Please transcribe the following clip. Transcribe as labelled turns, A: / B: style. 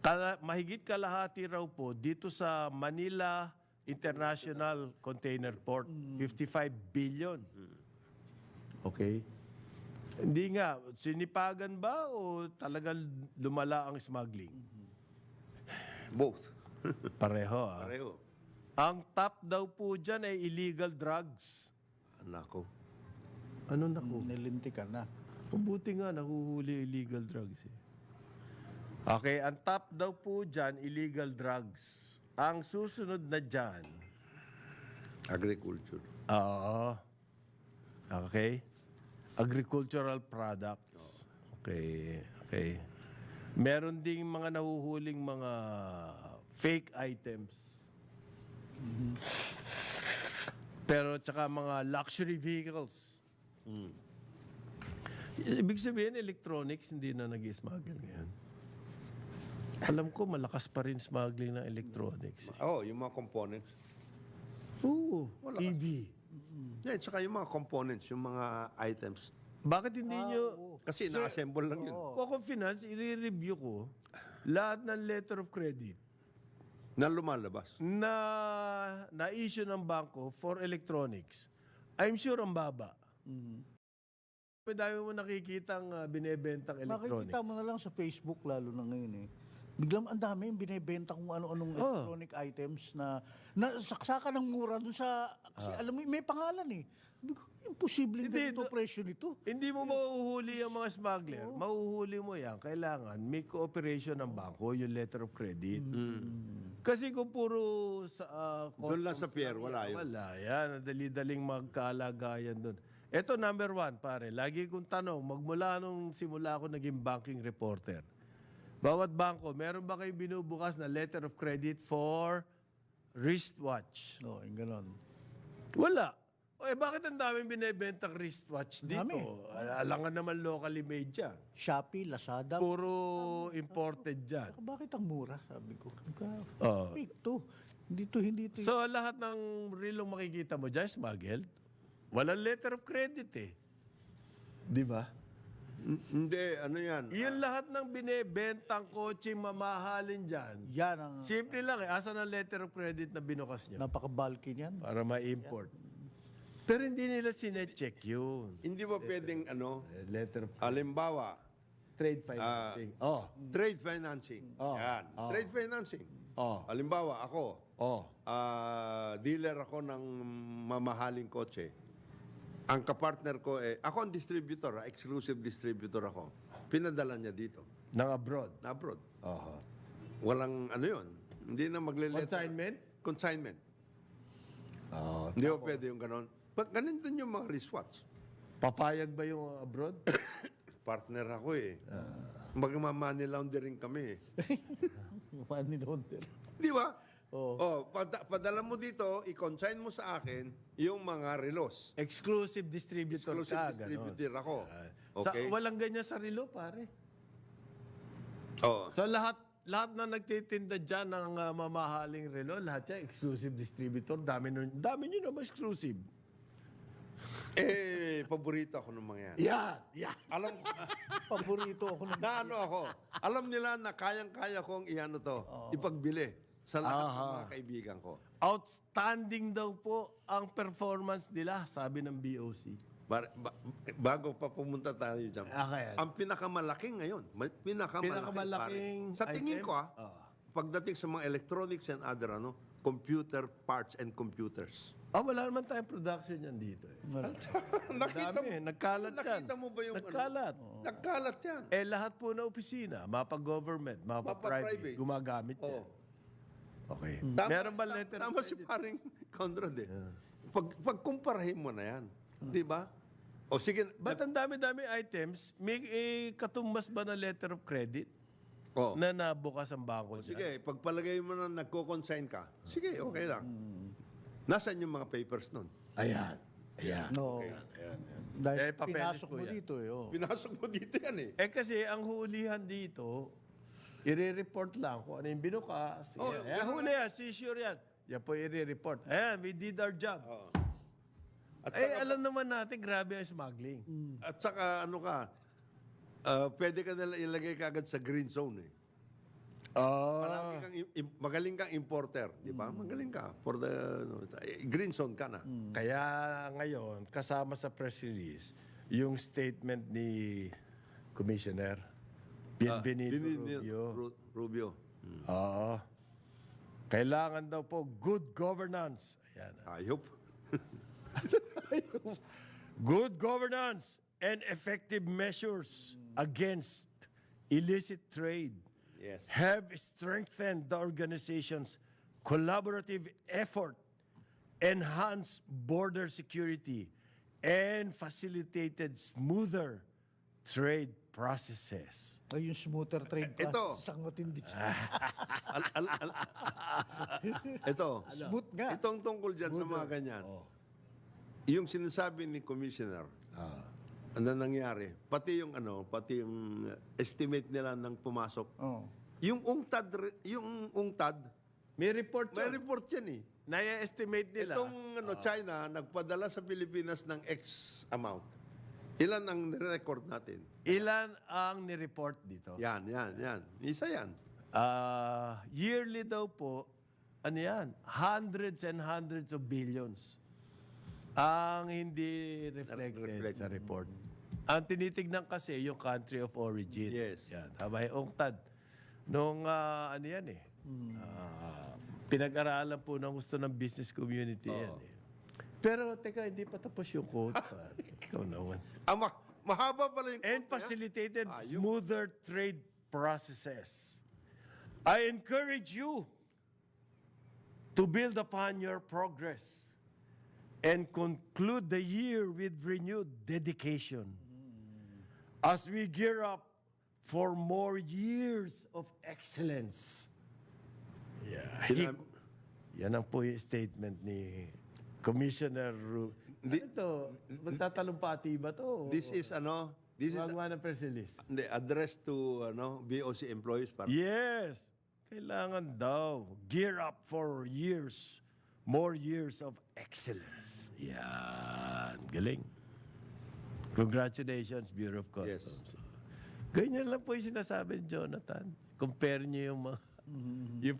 A: Mahigit kalahati raw po dito sa Manila International Container Port, 55 billion. Okay? Hindi nga, sinipagan ba o talagang lumala ang smuggling?
B: Both.
A: Pareho, ah.
B: Pareho.
A: Ang top daw po dyan ay illegal drugs.
B: Nako.
A: Ano naku?
C: Nilintikan na.
A: Mabuti nga, nahuhuli illegal drugs eh. Okay, ang top daw po dyan, illegal drugs. Ang susunod na dyan,
B: Agriculture.
A: oo. Okay. Agricultural products. Okay, okay. Meron ding mga nahuhuling mga fake items. Pero tsaka mga luxury vehicles. Ibig sabihin, electronics, hindi na nag-smuggle ngayon. Alam ko, malakas pa rin smuggling ng electronics.
B: Oh, yung mga components.
A: Oo, EV.
B: Yeah, tsaka yung mga components, yung mga items.
A: Bakit hindi nyo,
B: Kasi na-assemble lang yun.
A: kung ako finance, i-review ko lahat ng letter of credit
B: Na lumalabas.
A: na na-issue ng bangko for electronics. I'm sure ang baba. Dami mo nakikitang binebentang electronics.
C: Makikita mo na lang sa Facebook lalo na ngayon eh. Biglang ang dami yung binibenta kung ano-anong electronic items na saksakan ng mura dun sa... Kasi alam mo, may pangalan eh. Sabi ko, imposible
A: Hindi,
C: ganito presyo nito.
A: Hindi mo mauhuli ang mga smuggler. Mauhuli mo yan. Kailangan may cooperation ng bangko, yung letter of credit. Kasi kung puro sa...
B: Doon lang sa pier, wala yun.
A: Wala yan. Dali-daling magkalagayan doon. Ito number one, pare. Lagi kong tanong, magmula nung simula ako naging banking reporter. Bawat bangko, meron ba kayo binubukas na letter of credit for wristwatch?
C: Oo, yung ganon.
A: Wala. O bakit ang daming binibentang wristwatch dito?
C: Dami.
A: Alangan naman locally made dyan.
C: Shopee, Lazada.
A: Puro imported dyan.
C: Bakit ang mura? Sabi ko.
A: Oo.
C: Fake to. Hindi to.
A: So lahat ng rilong makikita mo dyan, smuggled. Walang letter of credit eh. Di ba?
B: Hindi, ano yan?
A: Yung lahat ng binibentang kotse mamahalin dyan,
C: Yan ang
A: simple lang eh. Asan ang letter of credit na binukas nyo?
C: napaka-bulky niyan.
A: Para ma-import. Pero hindi nila sinecheck yun.
B: Hindi ba pwedeng ano?
A: Letter of
B: Halimbawa,
A: trade financing.
B: trade financing. Yan. Trade financing. Halimbawa, ako, dealer ako ng mamahaling kotse. Ang kapartner ko ako ang distributor, exclusive distributor ako. Pinadala niya dito,
A: Nang abroad.
B: na abroad.
A: Aha.
B: Walang ano yun. Hindi na magle-letter.
A: Consignment?
B: Consignment. Hindi ba pwede yung ganon? Ganun din yung mga wristwatch.
A: Papayag ba yung abroad?
B: Partner ako eh. Magmamani laundering kami eh.
C: Money laundering.
B: Di ba? Padala mo dito, i-consign mo sa akin yung mga relos.
A: Exclusive distributor
B: Exclusive
A: ka.
B: distributor ako.
A: Sa,
B: Okay?
A: walang ganyan sa relo, pare.
B: Oh.
A: So lahat na nagtitinda dyan ng mamahaling relo, lahat yan exclusive distributor. Dami nyo naman exclusive.
B: Paborito ako ng mga yan.
A: Yeah.
B: Alam,
C: Paborito ako ng...
B: na ano ako, alam nila na kayang-kaya kong i-ano to, ipagbili sa lahat ng mga kaibigan ko.
A: Outstanding daw po ang performance nila, sabi ng BOC.
B: Bago pa pumunta tayo dyan.
A: Okay.
B: Ang pinakamalaking ngayon,
A: Pinakamalaking
B: pare. Sa tingin
A: item?
B: ko pagdating sa mga electronics and other computer parts and computers.
A: Wala naman tayong production yan dito.
B: Nakita mo,
A: Nagkalat yan.
B: nakita mo ba yung
A: Nagkalat.
B: Nagkalat yan.
A: Lahat po na opisina, mapa-government, mapa-private,
B: Mapa-private.
A: gumagamit yan.
B: Oo.
A: Okay.
B: Tama-
A: Meron ba letter of
B: Tama si
A: credit?
B: paring Conrad eh. Pagkumparahin mo na yan. Di ba? O sige.
A: Ba't ang dami-dami items, may katumbas ba na letter of credit
B: Oh.
A: na nabukas ang bangko dyan?
B: Sige, pagpalagay mo na nagko-consign ka, sige, okay lang. Nasaan yung mga papers nun?
A: Ayan.
C: No. Dahil
A: papeles
C: pinasok
A: po
C: mo
A: yan.
C: dito eh.
B: Pinasok mo dito yan eh.
A: Kasi ang hulihan dito, i-report lang kung ano yung binukas.
B: ganun
A: Huli yan, seizure yan. Yan po i-report. Ayan, we did our job.
B: At
A: Alam naman natin, grabe ang smuggling.
B: At saka ano ka, pwede ka nila ilagay kagad sa green zone eh. Palagi kang magaling kang importer, di ba? Magaling ka for the green zone ka na.
A: Kaya ngayon, kasama sa press release, yung statement ni Commissioner Bienvenido Rubio.
B: Rubio.
A: Oo. Kailangan daw po good governance. Ayan.
B: Ayop.
A: Good governance and effective measures against illicit trade
B: Yes.
A: have strengthened the organization's collaborative effort, enhanced border security, and facilitated smoother trade processes.
C: Ay, yung smoother trade
B: Ito.
C: process, ang matindi siya.
B: Ito.
C: Smooth nga.
B: Itong tungkol dyan sa mga ganyan. Yung sinasabi ni Commissioner, ano nangyari? Pati yung estimate nila ng pumasok.
C: Oh.
B: Yung UNCTAD,
A: May report
B: may
A: yun.
B: report yan eh.
A: Naya-estimate nila.
B: Itong China, nagpadala sa Pilipinas ng X amount. Ilan ang record natin?
A: Ilan ang ni-report dito?
B: Yan. Isa yan.
A: Yearly daw po, ano yan? Hundreds and hundreds of billions ang hindi reflected sa report. Ang tinitignan kasi yung country of origin.
B: Yes.
A: Yan. Tama yung UNCTAD. Nung ano yan eh. Pinag-aralan po ng gusto ng business community yan eh. Pero teka, hindi pa tapos yung quote. Ikaw naman.
B: Mahaba pala yung
A: And
B: quote niya.
A: facilitated smoother trade processes. I encourage you to build upon your progress and conclude the year with renewed dedication as we gear up for more years of excellence. Yeah. Yan ang po yung statement ni Commissioner Ano to? Magtatalumpati ba to?
B: This is
A: Gumagawa ng press release.
B: addressed to BOC employees.
A: Yes. Kailangan daw. Gear up for years. More years of excellence. Yan. Galing. Congratulations, Bureau of Customs. Ganyan lang po yung sinasabi ni Jonathan. Compare niyo yung mga... yung